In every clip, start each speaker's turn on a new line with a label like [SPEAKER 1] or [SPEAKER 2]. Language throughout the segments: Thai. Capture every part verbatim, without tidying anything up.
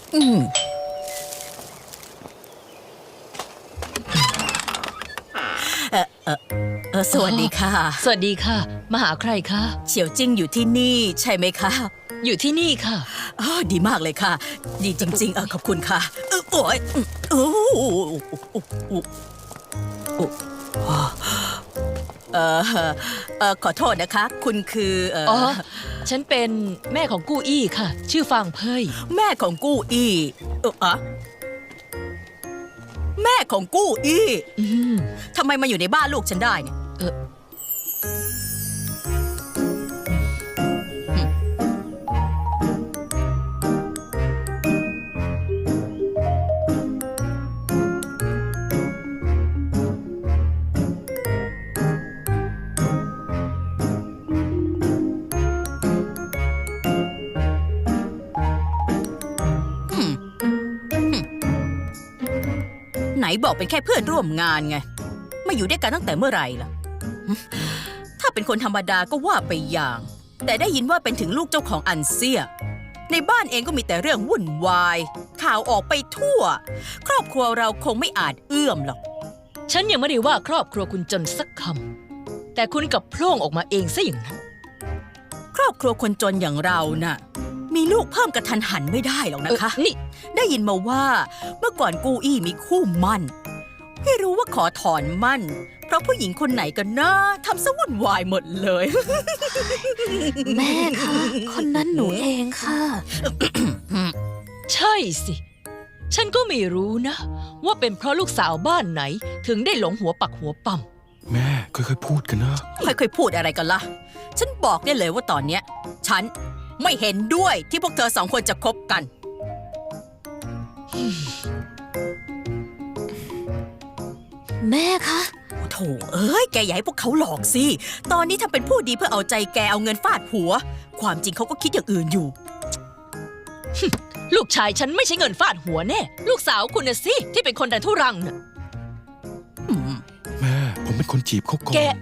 [SPEAKER 1] อืมเออเออเออสวัสดีค่ะ
[SPEAKER 2] สวัสดีค่ะมาหาใครคะ
[SPEAKER 1] เฉียวจิ้งอยู่ที่นี่ใช่ไหมคะ
[SPEAKER 2] อยู่ที่นี่ค่ะ
[SPEAKER 1] อ๋อดีมากเลยค่ะ ดีจริงๆเออขอบคุณค่ะเออโอ้ยโอ้เออเออขอโทษนะคะ คุณคือเออ
[SPEAKER 2] อ๋อ ฉันเป็นแม่ของกู้อี้ค่ะ ชื่อฟางเพย
[SPEAKER 1] แม่ของกู้อี้เอออะแม่ของกู้อี้
[SPEAKER 2] อืม
[SPEAKER 1] ทำไมมาอยู่ในบ้านลูกฉันได้เนี่ย
[SPEAKER 2] เออ
[SPEAKER 1] ไหนบอกเป็นแค่เพื่อนร่วมงานไงมาอยู่ด้วยกันตั้งแต่เมื่อไหร่ล่ะถ้าเป็นคนธรรมดาก็ว่าไปอย่าง แต่ได้ยินว่าเป็นถึงลูกเจ้าของอันเซียในบ้านเองก็มีแต่เรื่องวุ่นวายข่าวออกไปทั่ว ครอบครัวเราคงไม่อาจเอื้อมหรอก
[SPEAKER 2] ฉันยังไม่ได้ว่าครอบครัวคุณจนสักคำ แต่คุณกลับโพล่งออกมาเองซะอย่างนั้น
[SPEAKER 1] ครอบครัวคนจนอย่างเราน่ะมีลูกเพิ่มกระทันหันไม่ได้หรอกนะคะ
[SPEAKER 2] เออนี่
[SPEAKER 1] ได้ยินมาว่าเมื่อก่อนกู้อี้มีคู่มั่นไม่รู้ว่าขอถอนมั่น เพราะผู้หญิงคนไหนกันนะทำซะวุ่นวายหมดเลย
[SPEAKER 3] แม่คะคนนั้นหนูเองค่ะ
[SPEAKER 2] ใช่สิ ฉันก็ไม่รู้นะ ว่าเป็นเพราะลูกสาวบ้านไหน ถึงได้หลงหัวปักหัวปั๊ม
[SPEAKER 4] แม่ค่อยๆพูดกันนะ
[SPEAKER 1] ค่อยๆพูดอะไรกันล่ะ ฉันบอกได้เลยว่าตอนเนี้ย ฉันไม่เห็นด้วยที่พวกเธอสองคนจะคบกัน
[SPEAKER 3] แม่คะ
[SPEAKER 1] โอ้โถเอ้ย แกอย่าให้พวกเขาหลอกสิ ตอนนี้ทำเป็นผู้ดีเพื่อเอาใจแกเอาเงินฟาดหัว ความจริงเขาก็คิดอย่างอื่นอยู่
[SPEAKER 2] ลูกชายฉันไม่ใช่เงินฟาดหัวแน่ ลูกสาวคุณน่ะสิที่เป็นคนดันทุรังน่ะ
[SPEAKER 1] อืม
[SPEAKER 4] แม่ผมเป็นคนจีบเขาก่อน
[SPEAKER 2] แก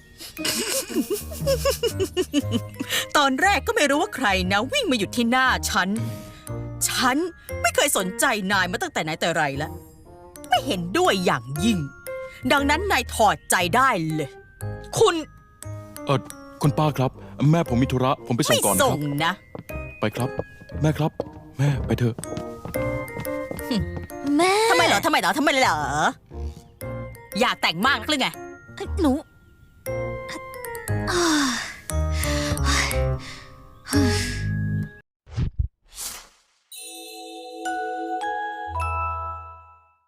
[SPEAKER 1] ตอนแรกก็ไม่รู้ว่าใครนะวิ่งมาหยุดที่หน้าฉัน ฉันไม่เคยสนใจนายมาตั้งแต่ไหนแต่ไรแล้ว ไม่เห็นด้วยอย่างยิ่ง ดังนั้นนายถอดใจได้เลย
[SPEAKER 2] คุณ
[SPEAKER 4] เออคุณป้าครับ แม่ผมมีธุระผมไปส่
[SPEAKER 1] ไม่
[SPEAKER 4] งก่อนค
[SPEAKER 1] ส่
[SPEAKER 4] รั
[SPEAKER 1] ง
[SPEAKER 4] บ
[SPEAKER 1] นะ
[SPEAKER 4] ไปครับ แม่ครับ แม่ไปเถอะ
[SPEAKER 3] แม่
[SPEAKER 1] ทำไมเหรอ ทำไมเหรอ ทำไมเหรอ อยากแต่งมากนักหรือไง
[SPEAKER 3] หนูอ่า